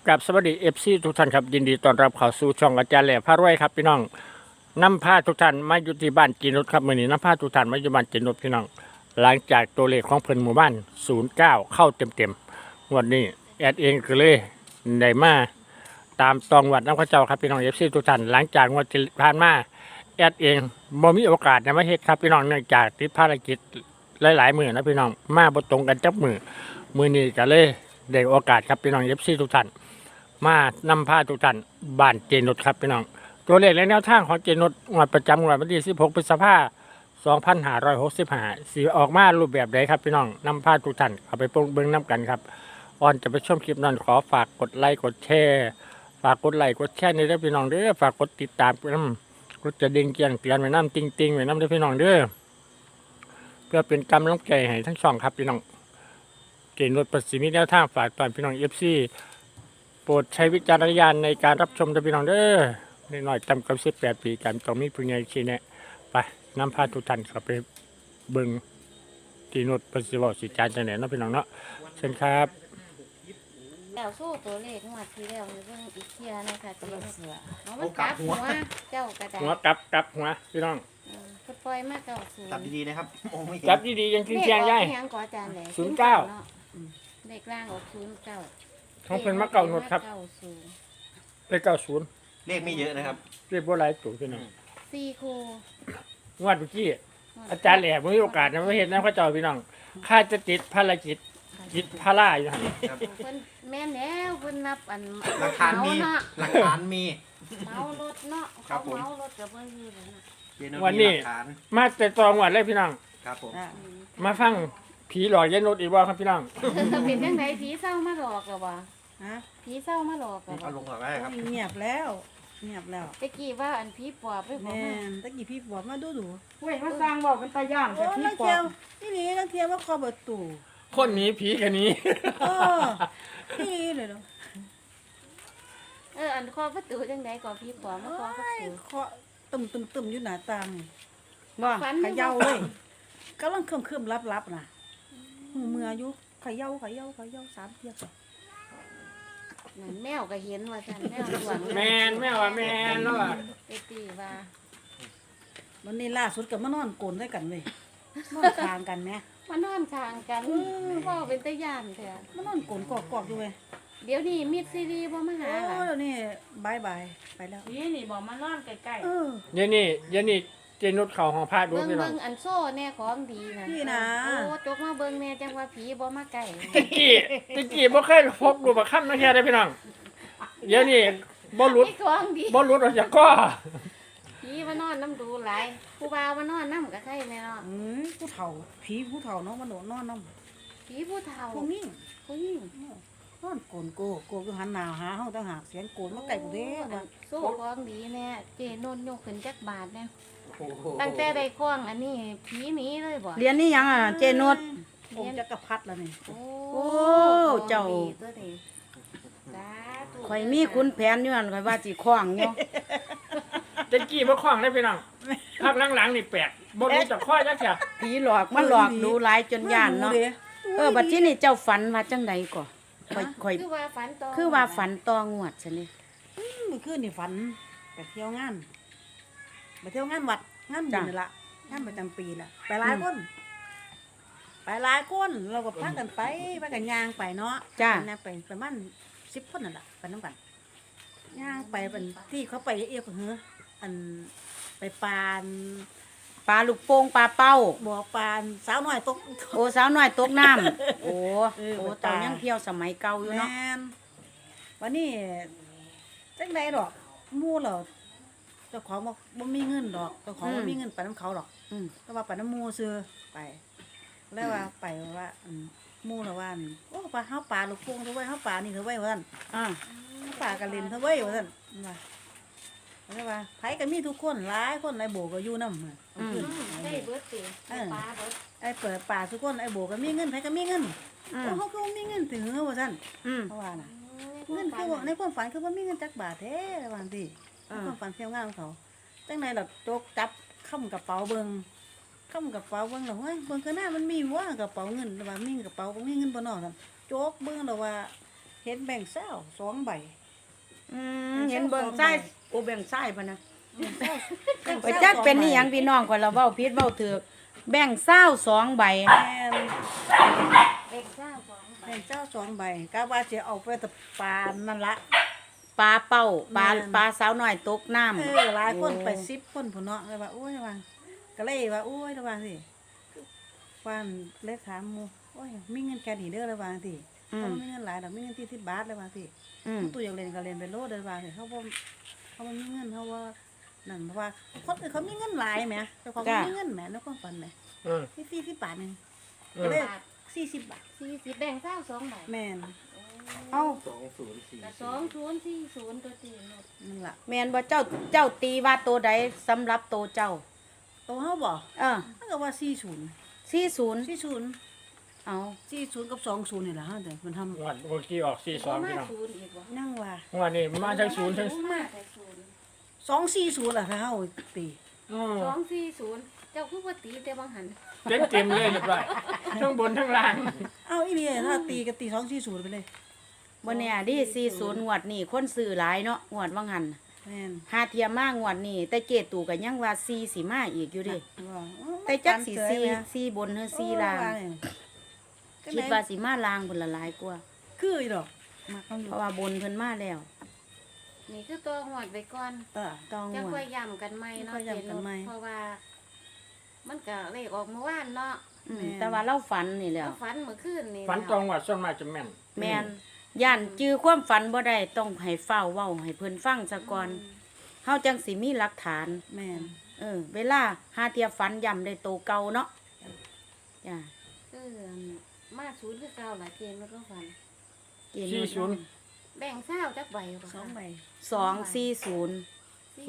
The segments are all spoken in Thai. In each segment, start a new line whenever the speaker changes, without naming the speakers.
กับสวัสดีFCทุกท่านครับยินดีต้อนรับเข้าสู่ช่องอาจารย์แหล่พารวยครับพี่น้องนำพาทุกท่านมาอยู่ที่บ้านจีนุชครับมื้อนี้นำพาทุกท่านมาอยู่บ้านจีนุชพี่น้องหลังจากตัวเลขของเพิ่นหมู่บ้าน09เข้าเต็มๆงวดนี้แอดเองก็เลยได้มาตามตองวัดน้ำข้าเจ้าครับพี่น้อง FC ทุกท่านหลังจากงวดที่ผ่านมาแอดเองบ่มีโอกาสได้มาเฮ็ดครับพี่น้องเนื่องจากติดภารกิจหลายๆมื้อนะพี่น้องมาบ่ตรงกันจักมื้อนี้ก็เลยได้โอกาสครับพี่น้อง FC ทุกท่านมานำพาทุกท่านบ้านเจนุชครับพี่น้องตัวเลขและแนวทางของเจนุชงวดประจำงวดวันที่16พฤษภาคม2565สีออกมารูปแบบใดครับพี่น้องนำพาทุกท่านเอาไปเบิ่งน้ำกันครับก่อนจะไปชมคลิปนั้นขอฝากกดไลค์กดแชร์ฝากกดไลค์กดแชร์ในเด้อพี่น้องเด้อฝากกดติดตามกดจะดิ่งเกียงเตือนไว้น้ำติงไว้น้ำเด้อพี่น้องเด้อเพื่อเป็นกำลังใจให้ทั้งสองครับพี่น้องเจนุชประสิทธิ์มีแนวทางฝากตอนพี่น้อง FCโปรดใช้วิจารณญาณในการรับชมด้วยพี่น้องเด้อนิดหน่อยจำกับ18 ปีกันต้องมีผู้ใหญ่ชี้แนะไปนำพาทุกท่านเข้าไปเบิ่งที่โนดปฏิบัติสิจารจังไหนเนาะพี่น้องเนาะเชิญครับ
แล้วสู้ตัวเลขงวดที่แล้วนี่เบิ่งอีกเที่ยนะคะเจ้าเสือเอามันกลับหัวเจ้ากระดาษ
หัวกลับหัวพี่น้อง
ก็ปล่อยมาเก้าศูน
จับ
ย์
ดีๆนะครับโอ้ไม่เห็น
จับดีๆยังทิ้งเทียงได้
เลขออกยังก่ออาจารย์แหละ
09
เนาะเลขล่างออก09
ของเพิ่นมาเก่าโนดครับ
90
ไป90
เลขไม่เยอะนะครับ
เรียบบ่หลายตัวพี่น้อง
4คู่
งวดเมื่อกี้อาจารย์แหล่บ่มีโอกาสนะมาเฮ็ดนำเขาเจ้าพี่น้องข้าจะติดภารกิจจิตพาราอยู่หั่น
ครับ
เพิ่นแม่นแล้วเพิ่นนับอัน
หลักฐานมี
เนาะ
หลักฐานมี
เมารถเนาะ
ครั
เขา
บผม
เมารถกับเพิ่นอยู่เลยนะ
เจนุช
วัน
มี
นี้
หลักฐาน
มาแต่ตองวดเลยพี่น้อง
ครับผม
มาฟังผีหลอกยายนุชอีกบ่ครับพี่น้อง
เป็นจังไดผีเศร้ามาหลอกกับว่า
ฮะ
ผีเศร้ามาหลอกกับ
เอาลงก่อนก็ได้ครับ
เงียบแล้วเงียบแล้ว
ตะกี้ว่าอันผีปอบไปบอก
แม่
มา
นตะกี้พี่บอกมาดูดู
เว้ยมาสร้างบอกเป็นตาย่าน
โอ้
แต่พี่
นัก
ปอ
เที่ยว
บ
นี่นี่นักเที่ยวว่าคอเปิดตู่
คนหนี้ผีกันนี้
เออนี่เลยเนาะ
อันคอประตูจังไดก่อผีปอบมาคอประตู
เคาะตึมอยู่หน้าต่าง
ว่า
ฝัน
เขย่าเลยกำลังคืมลับๆน่ะหูเมื่ออยู่เขย่า3เที่ยว
นั่นแมวก็เห็นว่าซั่นแมวหลวง
แมนแม่ว่าแมนแล้วอ่ะ
ไปตีว่า
วันนี้ล่าสุดก็มานอนโกนด้วยกันเว้ยนอนคางกันแหม
มานอนข้างกันว่าเป็นตาย่านแท้
มานอนโกนกอกๆอยู่เว้ย
เดี๋ยวนี้มิดซีรีบ่มาหา
โอ้
ล่ะ
เดี๋ยวนี้บายไปแล้ว
พี่นี่บอกมานอนใกล้
เออ
เดี๋ยวนี้เจนุชเขาของพระดู
เบิ่ง
พี่น้อ
เบิ่
ง
งอันโซ่แน่ของดีนะ
นี่นะ
โอ้จกมาเบิ่งแน่จังว่าผีบ่มาใกล้
ตะกี้บ่เคยพบดูบักค่ำนะแค่ได้พี่น้องเดี๋ยวนี้บ่หลุด
มีของดี
บ่หลุดออกจากก้อ
ผีมานอนน้ำดูหลายผู้บ่าวมานอนน้ำก็ใครแน่เนาะ
ผู้เฒ่าผีผู้เฒ่าเนาะมันโดนนอนน้
ผีผู้เฒ่า
ำพวกนี้
ผู้หญิง
นอนโกนโกก็หันหน้าหาเฮาต่างหากเสียงโกนมาไกลกูเด้
อั
ว่าน
โซ่ของดีแน่เจนนยกขึ้นจักบาทแน่
โอ้โห
ตั้งแต่ได้คล้องอันนี้ผีหนีเลยบ่
ๆเรียนนี่ยังอ่ะเจนุช
องค์จักรพรรดิแล้วนี่
โอ้
โอ้เจ้า
ดีตัวนี้สาธุ
ข่อยมีคุณแผนอยู่นั่นข่อยว่าสิคล้องอยู่
ตะกี้บ่คล้องได้พี่น้องพักหลังๆนี่แปลกบ่รู้จักข้อจักแค่
ผีหลอกมาหลอกดูหลายจนย่านเนาะบัดที่นี่เจ้าฝันว่าจังใดก่อข่อย
คือว่าฝันต่อ
คือว่าฝันตองวดซะนี่
มื้อคืนนี่ฝันไปเที่ยวงานไปเที่ยวงานวัดงานบุญนี่ล่ะงานประจำปีน่ะไปหลายคนเราก็พากันไปย่างไปเนาะนะไปประมาณ10คนนั่นล่ะไปนำกันย่างไปเป็นที่เขาไปเอียกเหออันไปปาน
ปลาลูกโป่งปลาเป้า
บ่อปานสาวน้อยตก
โอ้สาวน้อยตกน้ำโอ้
เออ
โอ้
ไป
ตอน
ปลา
ยังเที่ยวสมัยเก่าอยู่
แม่
เนาะ
นวันนี้จังไดดอกหมู่เหรอเจ้าของบ่มีเงินดอกเจ้าของบ่มีเงินไปนำเขาดอก
อืม
ก็ว่าไปน้ำหมู่ซื้อไปแล้วว่าไปว่าหมู่ละว่านี่โอ้ปลาเฮาปลาลูกโป่งเถอะเว้ยเฮาปลานี่เถอะเว้ยว่าซั่น
อ่า
เฮาปลากะเล่นเถอะเว้ยว่าซั่นว่าแล้วว่าไผก็มีทุกคนหลายคนไอ้โบก็อยู่นำขึ้น
ได้เบิดสิได้ปลาเบิด
ไอ้เปิดป่าทุกคนไอ้โบก็มีเงินไผก็มีเงิน
อืม
โอ้เฮาก็บ่มีเงินถึงว่าซั่น
อืม
เพราะว่าน่ะ เงินคือว่าในความฝันคือว่ามีเงินจักบาทแท้บางทีในความฝันเที่ยวงานของเขาจังไหนล่ะโจกจับค้ำกระเป๋าเบิ่งค้ำกระเป๋าเบิ่งแล้วเฮ้ยเบิ่งข้างหน้ามันมีว่ากระเป๋าเงินแต่ว่ามีกระเป๋าบ่มีเงินบ่เนอซั่นโจกเบิ่งแล้วว่าเห็นแบ่งเศร้า2 ใบ
เห็นเบิ่งซ้ายโอ้แบ่งซ้ายพะนะ
แบ่ง
ไปจักเป็นอีหยังพี่น้องก่อนเราเว้าผิดเว้าถูกแบ่งเศร้า2ใบ
แม่น
เด็กเจ้าของ
แบ่งเศร้า2 ใบกะว่าสิเอาไปแต่ปลานั่นละ
ปลาเป้าปลา
แม่น
ปลาสาวน้อยตกน้ำ
หลายคนไป10คนพุ่นเนาะเลยว่าโอ้ยว่าก็เลยว่าโอ้ยระวังสิฟันเลยถามหมู่โอ้ยมีเงินแค่นี้เด้อระวังสิ
อื
เขา
ม
มีเงินหลายดอกมีเงินที่10 บาทระวังสิ
อืม
ตู้อยากเล่นก็เล่นไปโลดระวังสิเขาบ่มีเงินเขาว่านั่นเพราะว่าคนอื่นเขามีเงินหลายแหมแต่ของเขามีเงินแหมในความฝันแหม
อืม
มี40 บาทนึง
อื
ก็
ม
เลย40 บาท
40แบ่งเจ้า2ใบ
แม่น
เอ้า
2040ตัวตีนด
นั่นล่ะ
แม่นบ่เจ้าตีว่าตัวใดสำหรับตัวเจ้า
โตเฮาบ่ มันก็ว่า40
40เอา
40กับ20นี่ล่ะฮะแต่มันทำ
งวดเมื่อกี้ออก42พี่น้อง
ศูนย์อีกบ่
นั่งว่า
งวดนี้มาทั้งศูนย์ทั้ง
มาแต่ศูนย์
240ล่ะถ้าเฮาตี
อืม
240เจ้าคือว่าตีแต่บางหัน
เต็มเลยเรียบร้อยทั้งบนทั้งล่าง
เอาอีนี่ถ้าตีก็ตี240ไปเลย
บ่แน่ดิ40งวดนี่คนซื้อหลายเนาะงวดว่างหัน
แม่น
หาเทียมมางวดนี่แต่เจตูก็ยังว่า4สิมาอีกอยู่เดิ
ว่า
แต่จักสิ4บนหรือ4ล่าง คิดว่าสิมาล่างพุ่นละหลายกว่า
คืออีดอกมาเขาอยู่
เพราะว่าบนเพิ่นมาแล้ว
นี่คือตัวหวดไปก่อน
ต้อง
จะ
งว
ค่อ
ด
ยย้ำกันใหม่เนาะ
ค่อยย้ำกันใหม่
เพราะว่า มันก็เลขออกเมื่อวานเนาะ
แต่ว่าเราฝันนี่แหล้ว
ฝันเมื่อคืนนี่
ฝันตรงว่าส่วนมากจะแม่น
แม่นย่านจื้อความฝันบ่ได้ต้องให้เฝ้าเว้าให้เพิ่นฟังซะก่อนเฮาจังสิมีหลักฐาน
แม่น
เวลาหาเทียฝันย้ำได้โตเก่าเนาะจ้ะ
คือมาศูนย์คือเก่าล่ะเจนมันก็ฝัน
เกณฑ์
40
แบ่งเศร้าจักใบบ่คะ
2 ใบ
240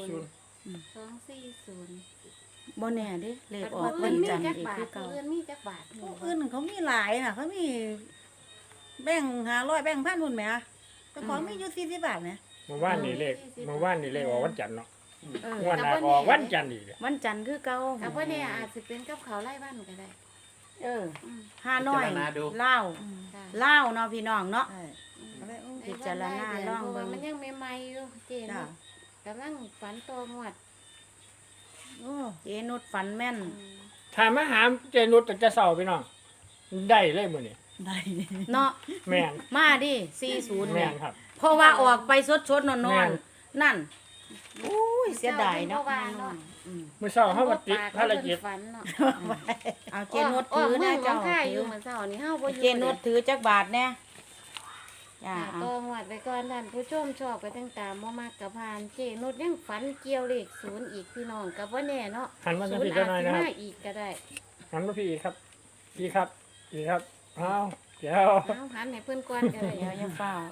240
บ่แน่เด้เลขออก
เงิ
วัน น
มี
จันทร์
จัก
อีก
บา
คื
ท
อเก่า
เงินมีจักบาท
ผู้อื่นเขามีหลายน่ะเขามีแบ่ง500แบ่ง1,000นู่นแหมแต่ของมีอยู่40 บาทนะ
เมื่อวานนี่เลขออกวันจันทร์เนาะ
เออ
งวดหน้าก็ออกวันจันทร์อีก
วันจันทร์คือเก่า
แต่ว่าเนี่ยอาจจะเป็นกับเขาวไล่บ้านก็ได้
เออ
อืม
ห้าน้อย
พิจารณาดู
เล่าว
ค่ะ
เล่าวเนาะพี่น้องเนาะ
ใช่ก็เลย
พิจารณาลอง
เพราะ
เบิ่
ว่าง มันยังใหม่ๆอยู่เจน
จ้า
กำลังฝันโตหมวด
โอ้
เจนุดฝันแม่น
ถ้ามาหาเจนุชจะเศร้าพี่น้องได้เลยมื้อนี้
ได้
เนาะ
แม่น
มาดิ40
แม่
เนี่ย
นครับ
เพราะว่าออกไปสดๆน
แม่
อน
น
ๆนั่นอุ้ยเสียดายเนาะ
ว่าเนาะ
อืม
มื้อเช้าเฮามาติดภารกิจ
ฝันเนาะ
เอาเจนุดถือนะ
เจ้า
เจ้า
ค่ายอ
ถื
ยู่
อ
เหมือนเช้านี่เฮาบ่อยู่
เจนุดถือจักบาทแน่จ้า
ค่ะโตหมวดไปก่อนท่านผู้ชมชอบก็ตั้งตามบ่มากกับพาน เจนุดยังฝันเกี่ยวเลข0อีกพี่น้องก็บ่แน่เนาะ
หันมาทาง
0
พี่
อา
เจ้า
จ
หน่อย
สิ
นะครับ
มาอีกก็ได้
หันมาพี่อีกครับพี่ครับพี่ครับอ้าวเดี๋ยว
เอาหันให้เพิ่นก่อนก็ได้
เดี๋ยวอย่าเฝ้า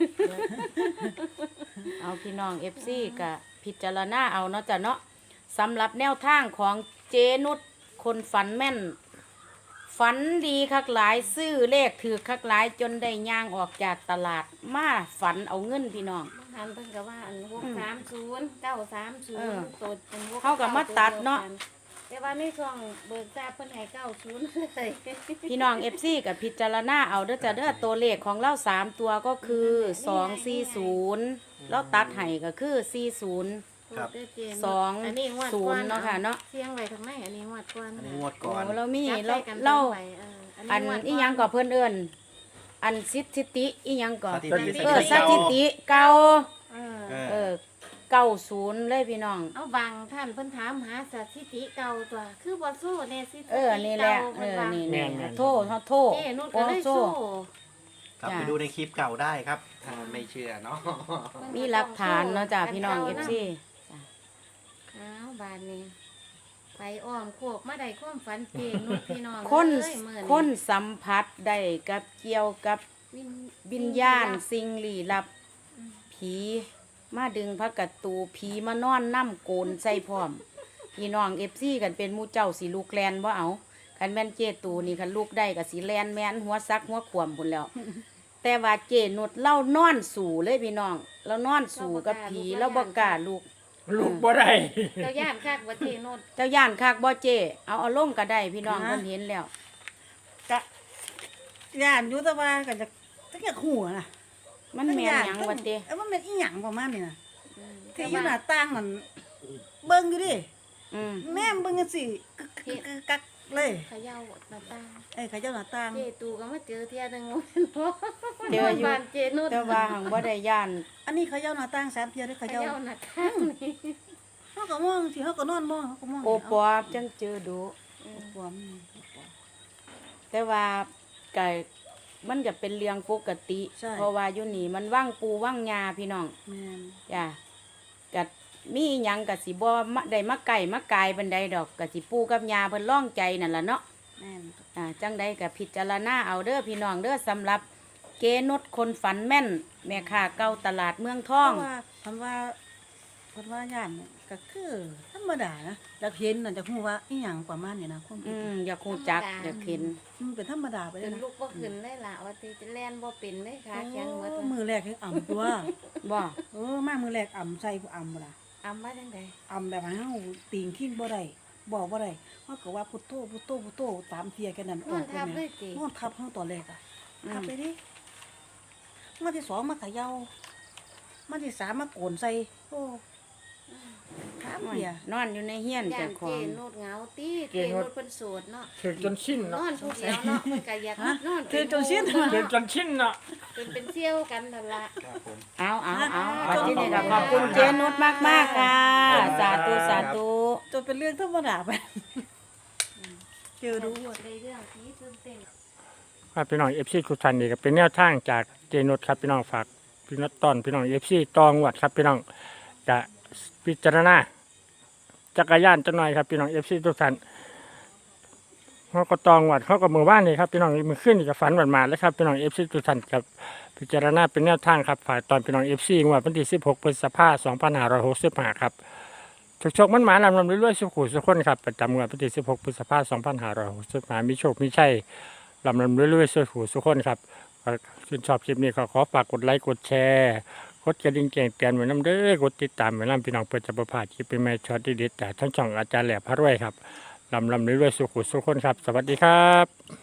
เอาพี่น้อง FC ก็พิจารณาเอาเนาะจ้ะเนาะสำหรับแนวทางของเจนุดคนฝันแม่น ฝันดีคักหลายซื้อเลขถือคักหลายจนได้ย่างออกจากตลาดมาฝันเอาเงินพี่น้อง
หันเพิ่นก็ว่าอัน630 930
เออ
ตัวเป็น6
เขาก็มาตัดเนาะ
แต่ว่าในช่วงเบิกทราบเพิ่นให้90เลย
พี่น้อง FC กับพิจารณาเอาเด้อจ้ะเด้อตัวเลขของเรา3ตัวก็คือ240แล้วตัดให้ก็คือ40
ครับ
อันนี้งวดก่อน
20เนาะค่ะเนาะ
เสียงไว้ทางไหนอันนี้งวดก่อน
อันนี้งวดก่อน
โอ้เรามี
จับ
เรา
ใส่กัน
เรา
สองใบ
อัน
งวด
อีหยังก็เพิ่นเอิ้นอันสถิติอีหยังก็
สถิติ
สถิติเก่า
เออ
เออ
90เลยพี่น้อง
เอาบางท่านเพิ่นถามหาสถิติเก่าตัว คือบ่สู้แน่สถิติ
นี่แหละ
เก่าเพิ่นว่า
นี่
แม่
นี่
น
โทษโทษ
เจ้นุ่น
โอ้
ก็เลย
โซ่
สู้
กลับ
จ้ะ
ไปดูในคลิปเก่าได้ครับถ้าไม่เชื่อเนาะ
มีหลักฐานเนาะจ้ะพี่น้อง FC
อ้าวบานนี้ไปอ้อมโคกมาได้ความฝันเจนุ่นพี่น้อง
คน
เอ้ยมื้อ
คนสัมผัสได้กับเกี่ยวกับ
วิญ
วิญญาณสิ่งลี้ลับ ผีมาดึงพระกัตตูผีมานอนน้ำโกนใส่พร้อม พี่น้องFCกันเป็นหมู่เจ้าสิลูกแลนบ่เอาคันแม่นเจตูนี่คันลูกได้ก็สิแลนแม่นหัวซักหัวขวมพุ่นแล้ว แต่ว่าเจนุดเล่านอนสู่เลยพี่น้องเรานอนสู่กับผีแล้วบ่กล้าลูก
ลูกบ่ได้
เจ้าย่านคักว่าเจนุ่น
เจ้าย่านคักบ่เจเอาลงก็ได้พี่น้องเพิ่นเห็นแล้ว
กะย่านอยู่แต่ว่าก็จะหัวน่ะ
มันแม่นหยังวะเต้
มันเป็นอีหยังประมาณนี้น่ะ
อืม
ที่อยู่หน้าต่างนั่นเบิ่งอยู่ดิ
อืม
แม่เบิ่งจังซี่กักเลย
เขย่าหน้าต่าง
เขาเจ้าหน้าต่าง
เจตูก็มาเจอเที่ยหนึง
เจออยู่
บ้านเจนุช
แต่ว่าหังบ่ได้ย่าน
อันนี้เขาเจ้าหน้าต่าง3เที่ยเด้อ
เข
เขาเจ้า
ย่าหน้าต่างนี่
เฮาก็มองสิเฮาก็นอนมองเฮาก็มอง
โอปอจังเจอดู
โอ้ปอม
แต่ว่าก็มันก็เป็นเรื่องปกติ เพราะว่าอยู่นี่มันว่างปูว่างยาพี่น้อง
แม่น
จ้ะก็มีหยังก็สิบ่มาได้มาไก่มากายบันไดดอกก็สิปูกับยาเพิ่นร้องใจนั่นล่ะเนาะ
แม่น
จังใดก็พิจารณาเอาเด้อพี่น้องเด้อสำหรับเกนุชคนฝันแม่น แม่ค้าเก่าตลาดเมืองทอง
เพราะว่าคำว่าย่านเนี่ยก็คือธรรมดานะแล้วเห็นน่ะจะฮู้ว่าอีหยังประมาณนี้นะความคิด
อยากฮู้จักอยากเห็น
มันเป็นธรรมดาไปเล
เป็
ย
น
นะ
ลูกบ่ขึ้นเลยล่ะว่าติจะแล่นบ่เป็นเลยค่ะแข็งหมด
โอ้มือแรกให้อ่ำตัว
บ่
มามือแรกอ่ำใส่ผู้อ่ำบ่ล่ะ
อำว่าจังได๋
อ่ำแบบให้เฮาตีงขี้บ่ได้บอกบ่ได้เฮาก็ว่าพุทโธพุทโธพุทโธตามเทียแค่นั้น
นอนทับเลยติ
นอนทับเฮาตอนแรกอ่ะทับไปดิมาที่สองมาเขย่ามาที่สามมาโกนใส่โอ้ถามเพีย
นอนอยู่ในเฮียน
ย่า
เจ้าน ข
เจ
อง
นุชเหงาติเจนุชเพิ่นโสดเนาะ
ถึงจนชิน
น
เนาะ
อนผู้เดียวเนาะมันก็อยากนอน
คือจนสิ้น
ถึงจนชินเนาะ
เป็นเที่ยวกันนั่นล่ะ
ครับผม
เอาวันที่นี่ก็ขอบคุณเจนุชมากๆค่ะ สาธุสาธุ
จนเป็นเรื่องธรรมดาไปเจอดู
ได้เรื่องที่ตื่นเต้น
ครับพี่น้องเอฟซีทุกท่านนี่ก็เป็นแนวทางจากเจนุชครับพี่น้องฝากพี่นัดตอนพี่น้องเอฟซีตองวัดครับพี่น้องจะพิจารณาจักรยานจะหน่อยครับพี่น้องเอฟซีทุกท่านเขาก็ตองวัดเขาก็มือว่านนี่ครับพี่น้องมือขึ้นนี่ก็ฝันหวานมาแล้วครับพี่น้องเอฟซีทุกท่านกับพิจารณาเป็นแนวทางครับฝากตอนพี่น้องเอฟซีงวดวันที่16 พฤษภาคม 2565ครับโชคมันหมาลำลำเรื่อยๆสุขุสุขคนครับประจำงวดวันที่16 พฤษภาคม 2565มีโชคมีชัยลำเรื่อยๆสุขุสุขคนครับชื่นชอบคลิปนี้ก็ขอฝากกดไลค์กดแชร์กดกระดิ่งแจ้งเตือนไว้น้ำเด้อกดติดตามไว้น้ำพี่น้องเพื่อจะประพลาดคลิปเป็นแม่ช็อตดีๆแต่ทั้งช่องอาจารย์แหลมพระรวยครับลำเรื่อยๆสุขุสุขคนครับสวัสดีครับ